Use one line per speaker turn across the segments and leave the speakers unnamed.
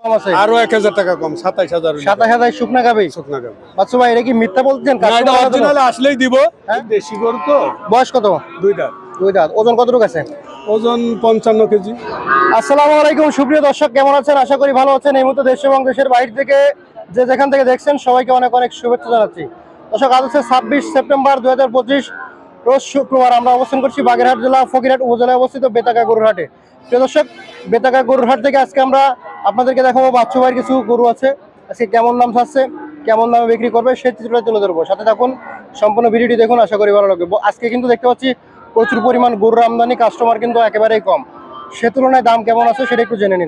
আরো 1000 টাকা কম 27000
27000 শুকনা গাবি।
শুকনা গাবি।
বাচ্চু ভাই এটা কি মিথ্যা বলছেন?
না, এটা অরিজিনাল আসলেই দিব। দেশি গরু তো।
বয়স কত?
দুই দাঁত।
দুই দাঁত। ওজন কতটুকু আছে?
ওজন 55 কেজি।
আসসালামু আলাইকুম সুপ্রিয় দর্শক, কেমন আছেন? আশা করি ভালো আছেন। এই মুহূর্তে দেশ এবং দেশের বাইরে থেকে যে যেখান থেকে দেখছেন সবাইকে অনেক অনেক শুভেচ্ছা জানাচ্ছি। দর্শক, আজ হচ্ছে 26 সেপ্টেম্বর 2025, রোজ শুক্রবার। আমরা অবস্থান করছি বাগেরহাট জেলা ফকিরহাট উপজেলায় অবস্থিত বেতাগা গরুর হাটে। প্রিয় দর্শক, বেতাগা গরুর হাট থেকে আজকে আমরা আপনাদেরকে দেখাবো বাচ্চু ভাইয়ের কিছু গরু আছে। আজকে কেমন দাম থাকছে, কেমন দামে বিক্রি করবে সেই চিত্রটা তুলে ধরবো। সাথে থাকুন, সম্পূর্ণ ভিডিওটি দেখুন, আশা করি ভালো লাগবে। আজকে কিন্তু দেখতে পাচ্ছি প্রচুর পরিমাণ গরুর আমদানি, কাস্টমার কিন্তু একেবারেই কম। সে তুলনায় দাম কেমন আছে সেটা একটু জেনে নিন।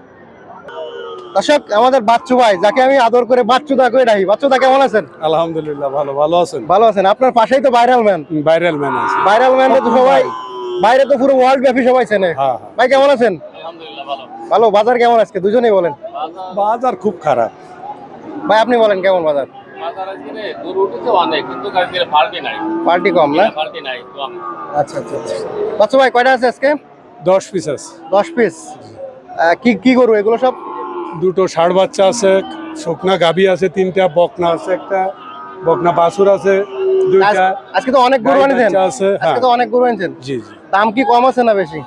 দর্শক, আমাদের বাচ্চু ভাই, যাকে আমি আদর করে বাচ্চুদা করে ডাকি। বাচ্চুদা কেমন আছেন?
আলহামদুলিল্লাহ ভালো আছেন?
ভালো আছেন। আপনার পাশেই তো ভাইরাল ম্যান।
ভাইরাল ম্যান আছে।
ভাইরাল ম্যান তো সবাই বাইরে তো পুরো ওয়ার্ল্ড ব্যাপী সবাই চেনে। ভাই কেমন আছেন?
আলহামদুলিল্লাহ ভালো।
ভালো। বাজার কেমন আজকে? দুজনেই বলেন।
বাজার খুব খারাপ।
ভাই আপনি বলেন কেমন বাজার?
বাজার আজকে গরু উঠেছে অনেক, কিন্তু আজকে পার্টি নাই।
পার্টি কম না?
পার্টি নাই, কম।
আচ্ছা আচ্ছা আচ্ছা। বাচ্চু ভাই কয়টা আছে আজকে?
10 পিস আছে।
10 পিস। কি কি গরু এগুলো সব?
দুটো ষাঁড় বাচ্চা আছে, শুকনা গাভী আছে, 3টা বকনা আছে, একটা বকনা বাছুর আছে, 2টা।
আজকে তো অনেক গরু আনছেন। আজকে তো অনেক গরু আনছেন।
জি জি।
দাম কি কম আছে না বেশি?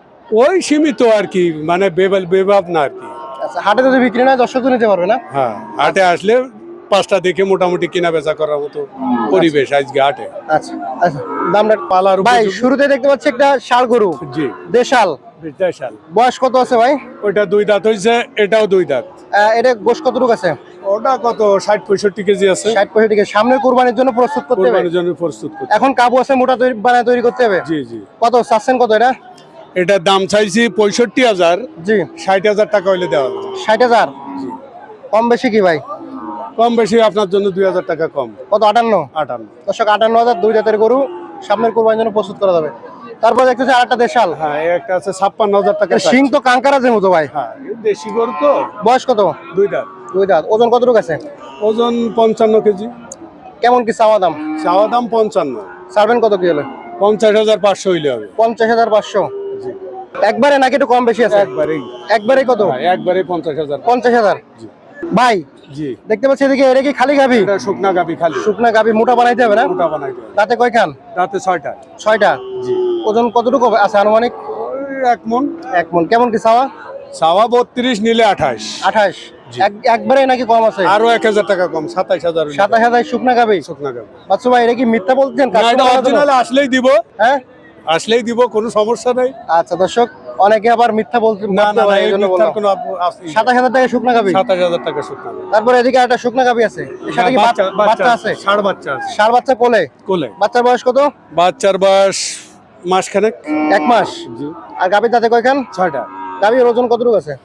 ওই সীমিত আর কি, মানে বেবাব না আর কি।
আচ্ছা, হাটে যদি বিক্রি না দর্শক তো নিতে পারবে না?
হ্যাঁ, হাটে আসলে 5টা দেখে মোটামুটি কেনা বেচা করার মতো পরিবেশ আজকে হাটে।
আচ্ছা আচ্ছা। দামটা
পালার
ভাই শুরুতে দেখতে পাচ্ছি একটা ষাঁড় গরু।
জি।
দেশাল।
দেশাল।
বয়স কত আছে ভাই?
ওইটা 2 দাঁত হইছে, এটাও 2 দাঁত।
এটা গোশ কতটুকু আছে?
ওটা কত 60-65 কেজি আছে।
60-65 কেজি। সামনের কুরবানির জন্য প্রস্তুত করতে হবে।
কুরবানির জন্য প্রস্তুত করতে।
এখন কাবু আছে, মোটা তৈরি করতে হবে।
জি জি।
কত চাচ্ছেন কত এটা?
এটার দাম চাইছি 65,000।
জি।
60,000 টাকা হইলে দেওয়া যাবে।
60,000।
জি।
কম বেশি কি ভাই?
কম বেশি আপনার জন্য 2,000 টাকা কম।
কত? 58।
58।
দর্শক, 58,000 দুই জাতের গরু সামনের কুরবানির জন্য প্রস্তুত করা যাবে। তারপর দেখতেছি আরেকটা দেশাল।
হ্যাঁ, এই একটা আছে 56,000 টাকা।
সিং তো কাঙ্কারাজের মতো ভাই।
হ্যাঁ, দেশি গরু তো।
বয়স কত?
2 দাঁত।
দুই দাঁত। ওজন কতটুকু আছে?
ওজন 55 কেজি।
কেমন কি চাওয়া দাম?
চাওয়া দাম 55।
ছাড়বেন কত কি হলে?
50,500 হইলে হবে।
50,500।
জি।
একবারে নাকি একটু কম বেশি আছে? একবারেই কত?
হ্যাঁ, একবারে 50,000।
50,000।
জি।
ভাই
জি।
দেখতে পাচ্ছি এদিকে, এটা কি খালি গাভি?
এটা শুকনা গাভী খালি।
শুকনা গাভি। মোটা বানাইতে হবে না?
মোটা বানাইতে হবে।
তাতে কয়খান?
রাতে 6টা।
6টা।
জি।
ওজন কতটুকু আছে আনুমানিক?
ওই 1 মণ।
1 মণ। কেমন কি চাওয়া?
চাওয়া 32, নিলে 28।
28।
জি।
একবারে নাকি কম আছে?
আরো 1000 টাকা কম, 27,000।
27,000 শুকনা গাভি।
শুকনা গাভী।
বাচ্চু ভাই এটা কি মিথ্যা বলছেন?
না, এটা অরিজিনাল আসলেই দিব।
হ্যাঁ,
আসলেই দিব, কোনো সমস্যা নাই।
আচ্ছা দর্শক, অনেকে আবার মিথ্যা বলছেন।
না না না, এই
জন্য
মিথ্যার
বললাম।
কোনো
27,000 টাকা শুকনা গাভি।
27,000 টাকা শুকনা গাভী।
তারপরে এদিকে একটা শুকনা গাভি আছে। এর সাথে কি বাচ্চা আছে?
ষাঁড় বাচ্চা আছে।
ষাঁড় বাচ্চা কোলে?
কোলে।
বাচ্চার বয়স কত?
বাচ্চার বয়স মাসখানেক।
1 মাস।
জি।
আর গাভির দাঁতে কয়খান?
6টা।
গাভির ওজন কতটুকু আছে?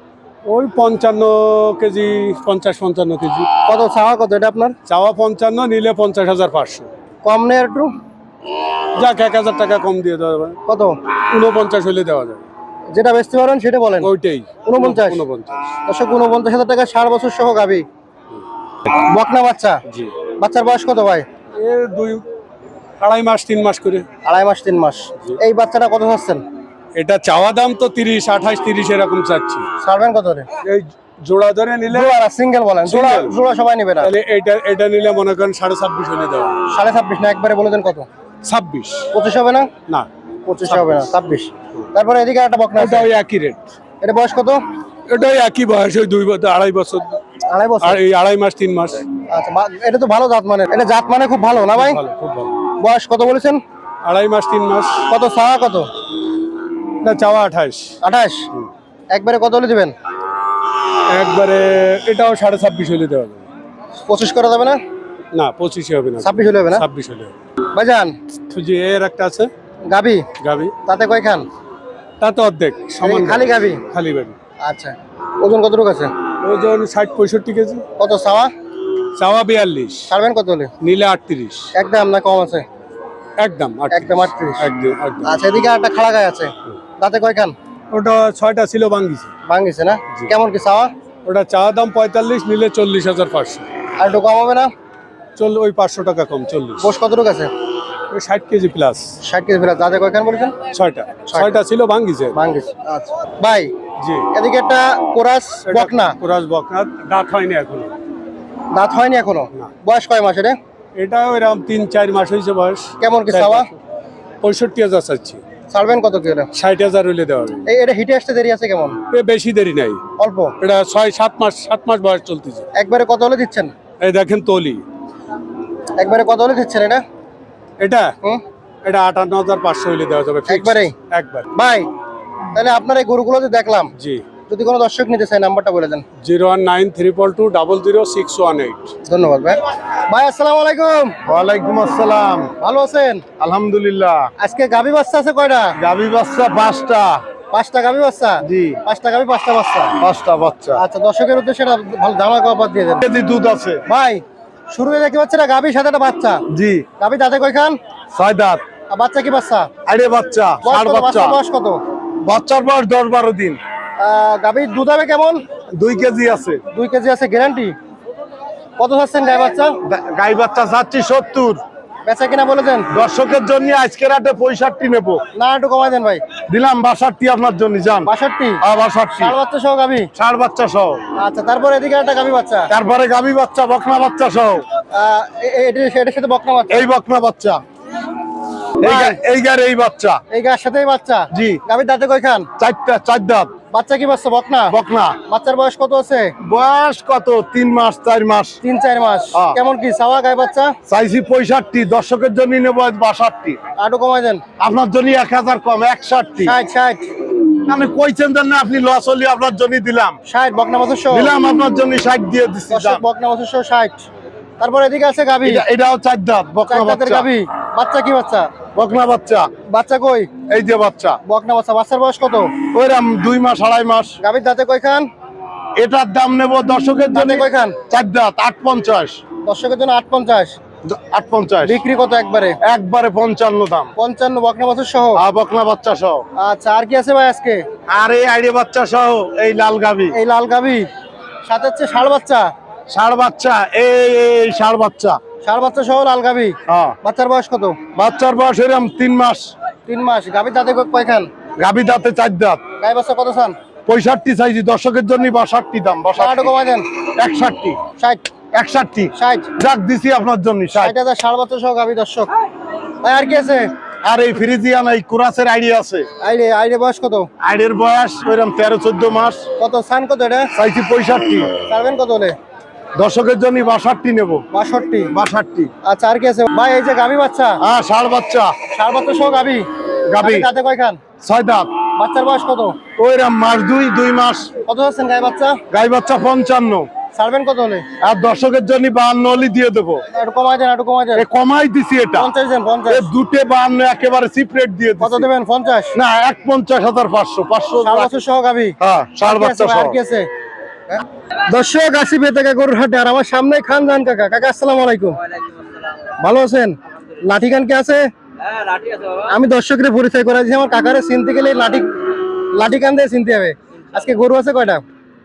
ওই 55 কেজি, 50-55 কেজি।
কত চাওয়া কত এটা আপনার?
চাওয়া 55, নিলে 50,500।
কম নেই একটু?
যাক, 1000 টাকা কম দিয়ে দেওয়া যাবে।
কত?
49 হইলে দেওয়া যাবে।
যেটা বেচতে পারেন সেটা বলেন।
ওইটাই
49।
49।
দর্শক, 49,000 টাকা 60 বছর সহ গাভি। বকনা বাচ্চা।
জি।
বাচ্চার বয়স কত ভাই?
এ 2-2.5 মাস 3 মাস করে।
2.5 মাস 3 মাস। এই বাচ্চাটা কত চাচ্ছেন?
এটা চাওয়া দাম তো 30, 28, 30 এরকম চাচ্ছি।
ছাড়বেন কত রে?
এই জোড়া ধরে নিলে,
জোড়া না সিঙ্গেল বলেন? জোড়া
Single।
জোড়া সবাই নেবে না।
তাহলে এটা নিলে মনে করেন 26.5 হলে দেওয়া যাবে।
26.5 না, একবারে বলে দেন কত?
26।
25 হবে না?
না,
25 হবে না, 26। তারপরে এদিকে একটা বকনা আছে।
এটা ওই একই রেট।
এটা বয়স কত?
এটা ওই একই বয়স, ওই 2-2.5 বছর।
2.5 বছর।
আর এই 2.5 মাস 3 মাস।
আচ্ছা, এটা তো ভালো জাত মানে। এটা জাত মানে খুব ভালো না ভাই?
ভালো, খুব ভালো।
বয়স কত বলেছেন?
2.5 মাস 3 মাস।
কত চাওয়া কত?
না, চাওয়া 28।
28। একবারে কত হলে দিবেন?
একবারে এটাও 26.5 হলে দেওয়া যাবে।
25 করা যাবে না?
না, 25 হবে না।
26 হলে হবে না?
26 হলে হবে।
ভাইজান
তো যে এর একটা আছে
গাবি,
গাবি,
তাতে কয়খান?
তা তো অর্ধেক সমান।
খালি গাবি?
খালি গাবি।
আচ্ছা, ওজন কতটুকু আছে?
ওজন 60-65 কেজি।
কত চাওয়া?
চাওয়া 42,
ছাড়বেন কত হলে?
নিলে 38।
একদম না কম আছে?
একদম
একদম 38।
একদম একদম।
আচ্ছা, এদিকে একটা খাড়া গায়ে আছে। দাঁতে কয়খান?
ওটা 6টা ছিল, ভাঙ্গিছে।
ভাঙিছে না? কেমন কি চাওয়া?
ওটা চাওয়া দাম 45, নিলে 40,500।
আর একটু কম হবে না?
ওই 500 টাকা কম, 40।
গোশ কতটুকু আছে?
ওই 60 কেজি প্লাস।
60 KG plus. দাঁতে কয়খান বলেছেন?
6টা ছিল, ভাঙ্গিছে।
ভাঙিছে। আচ্ছা ভাই,
জি।
এদিকে একটা কোরাস বকনা,
কুরাস বকনা, দাঁত হয়নি এখনো।
দাঁত হয়নি এখনো।
না।
বয়স কয় মাস এটা?
এটা ওইরকম 3-4 মাস হয়েছে বয়স।
কেমন কি
4
চাওয়া?
মাস। 65,000 চাচ্ছি।
ছাড়বেন কত কি এটা?
60,000 হইলে দেওয়া হবে।
এটা হিটে আসতে দেরি আছে কেমন?
বেশি দেরি নাই,
অল্প।
এটা 6-7 মাস বয়স চলতেছে।
একবারে কত হলে দিচ্ছেন?
এই দেখেন তলি,
একবারে কত হলে দিচ্ছেন এটা?
এটা
হুম,
এটা 58,500 হইলে দেওয়া যাবে। fixed।
একবারেই?
একবার।
ভাই তাহলে আপনার এই গরুগুলো যে দেখলাম,
জি।
যদি কোনো দর্শক নিতে চায় নাম্বারটা বলে দেন।
01932200618।
ধন্যবাদ ভাই। ভাই আসসালামু আলাইকুম।
ওয়ালাইকুম আসসালাম।
ভালো আছেন?
আলহামদুলিল্লাহ।
আজকে গাভী বাচ্চা আছে কয়টা?
গাভী বাচ্চা 5টা।
5টা গাভী বাচ্চা?
জি।
5টা গাভী 5টা বাচ্চা।
5টা বাচ্চা।
আচ্ছা, দর্শকের উদ্দেশ্যে একটা ভালো ধামা কপার দিয়ে দেন
কেজি দুধ আছে।
ভাই। শুরুতে দেখতে পাচ্ছি না গাভীর সাথে একটা বাচ্চা।
জি।
গাভী দাঁতে কয়খান?
6 দাঁত।
আর বাচ্চা কি বাচ্চা?
আইরে বাচ্চা,
বয়স
ষাঁড়
কত?
বাচ্চা।
বাচ্চার বয়স কত?
বাচ্চার বয়স 10-12 দিন।
গাভীর দুধ হবে কেমন?
2 কেজি আছে।
2 কেজি আছে, গ্যারান্টি। কত চাচ্ছেন গাই বাচ্চা?
গাই বাচ্চা চাচ্ছি 70।
বেচা কিনা বলে দেন।
দর্শকের জন্য আজকের হাটে 65 নেব।
না একটু কমাই দেন ভাই।
দিলাম 62 আপনার জন্য, যান।
62?
62।
ষাঁড় বাচ্চা সহ গাভী?
ষাঁড় বাচ্চা সহ।
আচ্ছা, তারপর এদিকে একটা গাভী বাচ্চা।
তারপরে গাভী বাচ্চা, বকনা বাচ্চা সহ।
এটার সাথে বকনা বাচ্চা।
এই বকনা বাচ্চা, এই বাচ্চা।
এই গার সাথেই বাচ্চা?
জি।
গাভীর দাঁতে কয়খান?
4 দাঁত।
বাচ্চা কি বাচ্চা? বকনা?
বকনা।
বাচ্চার বয়স কত আছে?
বয়স কত? 3 মাস 4 মাস।
3-4 মাস।
হ্যাঁ।
কেমন কি চাওয়া গাই বাচ্চা?
চাইছি 65, দর্শকের জন্য নেব 62।
আরো কমাই দেন।
আপনার জন্য 1000 কম, 61।
60?
আমি কইছেন জান না, আপনি লস হলি আপনার জন্য দিলাম।
60 বকনা বাছুর সহ?
দিলাম আপনার জন্য 60 দিয়ে দিচ্ছি।
দর্শক বকনা বাছুর সহ 60। তারপর এদিকে আছে গাভী।
এটাও 4 দাঁত, বকনা
4 দাঁতের
বাচ্চা।
গাভী। বাচ্চা কি বাচ্চা?
বকনা বাচ্চা।
বাচ্চা কই?
এই যে বাচ্চা।
বকনা বাচ্চা। বাচ্চার বয়স কত?
ওইরাম 2 মাস 2.5 মাস।
গাভীর দাঁতে কয়খান?
এটার দাম নেব দর্শকের জন্য
দাঁতে কয়খান?
4 দাঁত, 850।
দর্শকের জন্য 850।
850
বিক্রি কত একবারে?
একবারে 55 দাম।
55 বকনা বাছুর সহ?
আর বকনা বাচ্চা সহ।
আচ্ছা, আর কি আছে ভাই আজকে?
আর এই আইডি বাচ্চা সহ এই লাল গাভী।
এই লাল গাভী সাথে হচ্ছে ষাঁড় বাচ্চা।
ষাঁড় বাচ্চা, এই ষাঁড় বাচ্চা।
ষাঁড় বাচ্চা সহ লাল গাভী।
হ্যাঁ।
বাচ্চার বয়স কত?
বাচ্চার বয়স এরকম 3 মাস।
3 মাস। গাভীর দাঁতে কয়খান?
গাভী দাঁতে 4 দাঁত।
গাই বাচ্চা কত চান?
65 চাইছি, দর্শকের জন্য 62 দাম।
আরো
62।
কমাই দেন।
61।
60?
61
60?
যাক দিছি আপনার জন্য 60।
60,000 ষাঁড় বাচ্চা সহ গাভী। দর্শক ভাই আর কি আছে?
আর এই ফ্রিজিয়ান এই কুরাসের আইডিয়া আছে।
আইডে বয়স কত?
আইডের বয়স ওইরকম 13-14 মাস।
কত চান কত এটা?
চাইছি 65।
ছাড়বেন কত হলে?
দর্শকের জন্য 62 নেব।
62?
62।
আচ্ছা, আর কি আছে ভাই? এই যে গাভী বাচ্চা,
হ্যাঁ, ষাঁড় বাচ্চা।
ষাঁড় বাচ্চা সহ গাভী।
গাভী।
দাঁতে কয়খান?
6 দাঁত।
বাচ্চার বয়স কত?
ওইরকম মাস 2 মাস।
কত চাচ্ছেন গাই বাচ্চা?
গাই বাচ্চা 55।
ছাড়বেন কত হলে?
আর দর্শকের জন্য 52 হলে দিয়ে দেবো।
একটু কমাই দেন, একটু কমাই দেন।
এ কমাই দিছি এটা।
50 দেন। 50?
এ দুটে 52 একেবারে চিপ রেট দিয়ে
কত
দিছি।
দেবেন? 50?
না, 51,500। 500।
ষাঁড় বাচ্চা সহ গাভী।
হ্যাঁ, ষাঁড়
আর কি আছে
বাচ্চা
ভাই?
সহ।
আর কি আছে? দর্শক আসি বেতাকা গরুর হাটে, আর আমার সামনে খানজান কাকা। কাকা আসসালামু আলাইকুম। ভালো আছেন? লাঠি খান কে আছে? আমি দর্শকের পরিচয় করে দিচ্ছি। আমার কাকারে চিনতে গেলে লাঠি কান দিয়ে চিনতে হবে। আজকে গরু আছে কয়টা?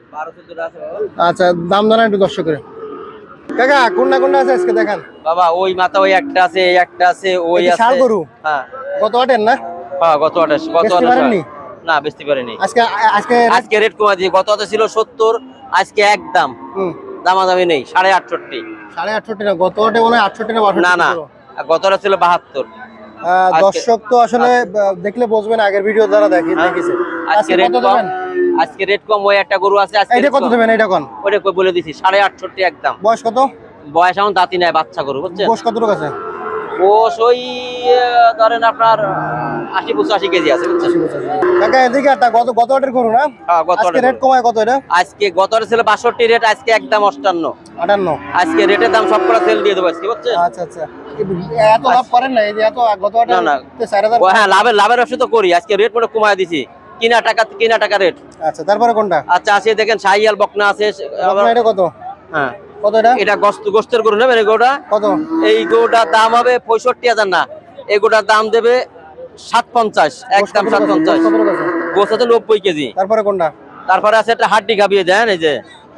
আচ্ছা, দাম জানা একটু দর্শকের। কাকা কোনটা আছে আজকে দেখান।
বাবা ওই মাথা ওই একটা আছে, এই একটা আছে, ওই
এটা
আছে।
ষাঁড় গরু?
হ্যাঁ
কত আটেন না?
হ্যাঁ, গত আঠাশ।
বেচতে পারেননি?
না, বেচতে পারিনি।
আজকে আজকে
আজকে রেট কমা দিয়ে, গত হাতে ছিল 70, আজকে একদম
হুম,
দামাদামি নেই, 68.5।
68.5 না, গত আটে মনে হয় 68 না 62
না না,
ছিল।
গত হাতে ছিল 72। আজকে-
দর্শক তো আসলে দেখলে বুঝবেন, আগের ভিডিও দ্বারা দেখেছে।
আজকে
আজকে
রেট
কত
কম।
দেবেন?
আজকে রেট কম, ওই একটা গরু আছে আজকে
এইটা
rate
কত
কম।
দেবেন? এইটা কোন?
ওটা কই বলে দিছি, 68.5 একদম।
বয়স কত?
বয়স এখন দাঁতি নাই, বাচ্চা গরু বুঝছেন।
বয়স কতটুকু আছে?
বয়স ওই ধরেন আপনার 80-85 কেজি আছে বুঝছেন।
কাকা এদিকে একটা গত আটের করু না?
হ্যাঁ, গত
আজকে
হাটের
রেট
গরু।
কমায় কত এটা?
আজকে গত হাটে ছিল 62 রেট, আজকে একদম 58।
58?
আজকে রেটের দাম সব করে সেল দিয়ে দেবো আজকে বুঝছেন।
আচ্ছা আচ্ছা, এত লাভ করেন না? এই যে এত গত আটে
না, না।
4000।
ও হ্যাঁ, লাভের ব্যবসা তো করি। আজকে রেট মনে কমায় দিছি, কিনা টাকা রেট।
আচ্ছা, তারপরে কোনটা?
আচ্ছা, আছে দেখেন শাহিয়াল বকনা আছে।
আপনার এটা কত?
হ্যাঁ,
কত এটা?
এটা গোস্তের গরু নেবেন। এই গরুটা,
কত?
এই গরুটার দাম হবে 65,000 না, এই গরুটার দাম দেবে 750, একদম 750।
কতটুকু আছে?
গোস্ত আছে 90 কেজি।
তারপরে কোনটা?
তারপরে আছে একটা হাড্ডি গাবিয়ে দেন, এই যে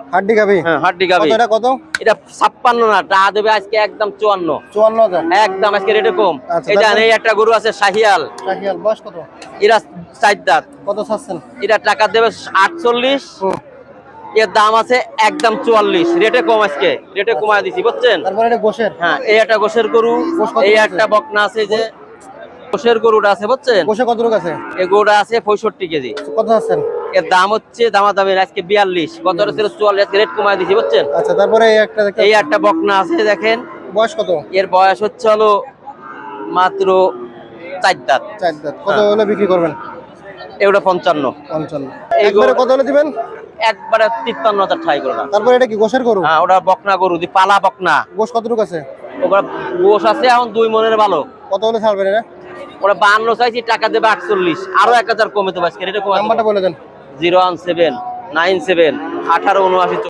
হাড্ডি গাবি
হ্যাঁ হাড্ডি গাবি।
কত এটা কত?
এটা 56 না, টা দেবে আজকে একদম 54।
54,000
একদম আজকে রেটে কম।
আচ্ছা,
এই জানেন
তারপরে?
এই একটা গরু আছে শাহিয়াল,
শাহিয়াল বয়স কত?
এরা 4 দাঁত।
কত চাচ্ছেন?
এটা টাকা দেবে 48,
হুম।
এর দাম আছে একদম 44, রেটে কম আজকে, রেটে কমায় দিছি বুঝছেন।
তারপরে এটা গোশের
হ্যাঁ এই একটা গোশের গরু,
গোশ কত
এই
আছে?
একটা বকনা আছে, যে গোশের গরুটা আছে বুঝছেন,
গোশে কত লোক আছে?
এই গরুটা আছে 65 কেজি।
কত চাচ্ছেন?
এর দাম হচ্ছে দামাদামি আজকে 42, গতটা ছিল 44, আজকে রেট কমায় দিছি বুঝছেন।
আচ্ছা তারপরে এই একটা দেখতে
এই একটা বকনা আছে দেখেন,
বয়স কত?
এর বয়স হচ্ছে হলো মাত্র 4 দাঁত।
4 দাঁত। কত হলে বিক্রি করবেন?
এগুলো 55।
55।
এই
একবারে
গরু-
কত হলে দিবেন?
একবারে 53,000 ঠাই করে না।
তারপরে এটা কি গোশের গরু?
হ্যাঁ ওটা বকনা গরু, পালা বকনা।
গোশ কত লোক আছে?
ওরা গোশ আছে এখন 2 মনের ভালো।
কত হলে ছাড়বেন এটা?
ওরা 52 চাইছি, টাকা দেবে 48, আরো 1000 কমে দেবে আজকে, রেটে কমে
নাম্বারটা বলে দেন।
01797 1879।